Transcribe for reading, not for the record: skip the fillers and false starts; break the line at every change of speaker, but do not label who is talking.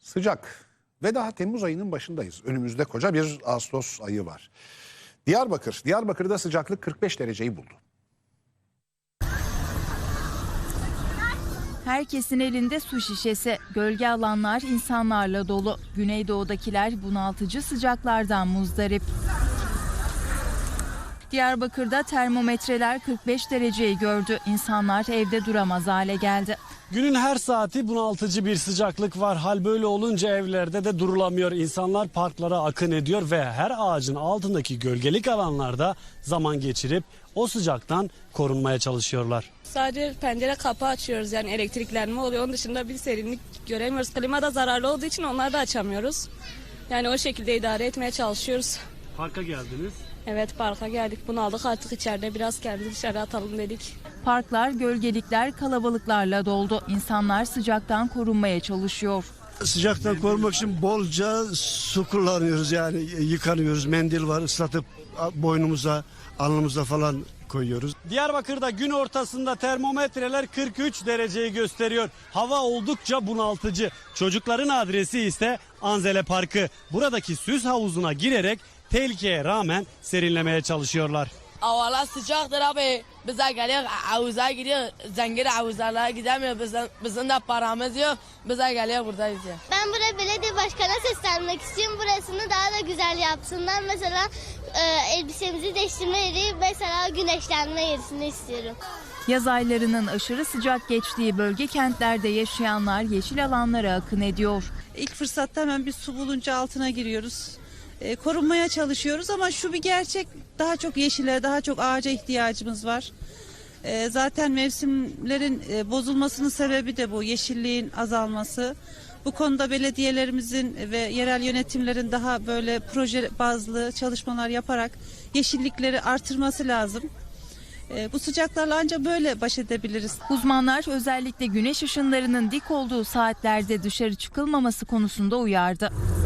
Sıcak ve daha Temmuz ayının başındayız. Önümüzde koca bir Ağustos ayı var. Diyarbakır'da sıcaklık 45 dereceyi buldu.
Herkesin elinde su şişesi, gölge alanlar insanlarla dolu. Güneydoğu'dakiler bunaltıcı sıcaklardan muzdarip. Diyarbakır'da termometreler 45 dereceyi gördü. İnsanlar evde duramaz hale geldi.
Günün her saati bunaltıcı bir sıcaklık var. Hal böyle olunca evlerde de durulamıyor. İnsanlar parklara akın ediyor ve her ağacın altındaki gölgelik alanlarda zaman geçirip o sıcaktan korunmaya çalışıyorlar.
Sadece pencere kapı açıyoruz, yani elektriklenme oluyor. Onun dışında bir serinlik göremiyoruz. Klima da zararlı olduğu için onları da açamıyoruz. Yani o şekilde idare etmeye çalışıyoruz.
Parka geldiniz.
Evet, parka geldik, bunaldık artık, içeride biraz kendimizi dışarı atalım dedik.
Parklar, gölgelikler kalabalıklarla doldu. İnsanlar sıcaktan korunmaya çalışıyor.
Sıcaktan korumak için bolca su kullanıyoruz, yani yıkanıyoruz. Mendil var, ıslatıp boynumuza, alnımıza falan koyuyoruz.
Diyarbakır'da gün ortasında termometreler 43 dereceyi gösteriyor. Hava oldukça bunaltıcı. Çocukların adresi ise Anzele Parkı. Buradaki süs havuzuna girerek tehlikeye rağmen serinlemeye çalışıyorlar.
Havalar sıcaktır abi. Bize geliyor havuza gidiyor. Zengin havuzlarına gidemiyor. Bizim de paramız yok. Bize geliyor buradayız ya.
Ben buraya belediye başkanına seslenmek istiyorum. Burasını daha da güzel yapsınlar. Mesela elbisemizi değiştirme yeri, mesela güneşlenme yerisini istiyorum.
Yaz aylarının aşırı sıcak geçtiği bölge kentlerde yaşayanlar yeşil alanlara akın ediyor.
İlk fırsatta hemen bir su bulunca altına giriyoruz. Korunmaya çalışıyoruz ama şu bir gerçek, daha çok yeşile, daha çok ağaca ihtiyacımız var. Zaten mevsimlerin bozulmasının sebebi de bu, yeşilliğin azalması. Bu konuda belediyelerimizin ve yerel yönetimlerin daha böyle proje bazlı çalışmalar yaparak yeşillikleri artırması lazım. Bu sıcaklarla ancak böyle baş edebiliriz.
Uzmanlar özellikle güneş ışınlarının dik olduğu saatlerde dışarı çıkılmaması konusunda uyardı.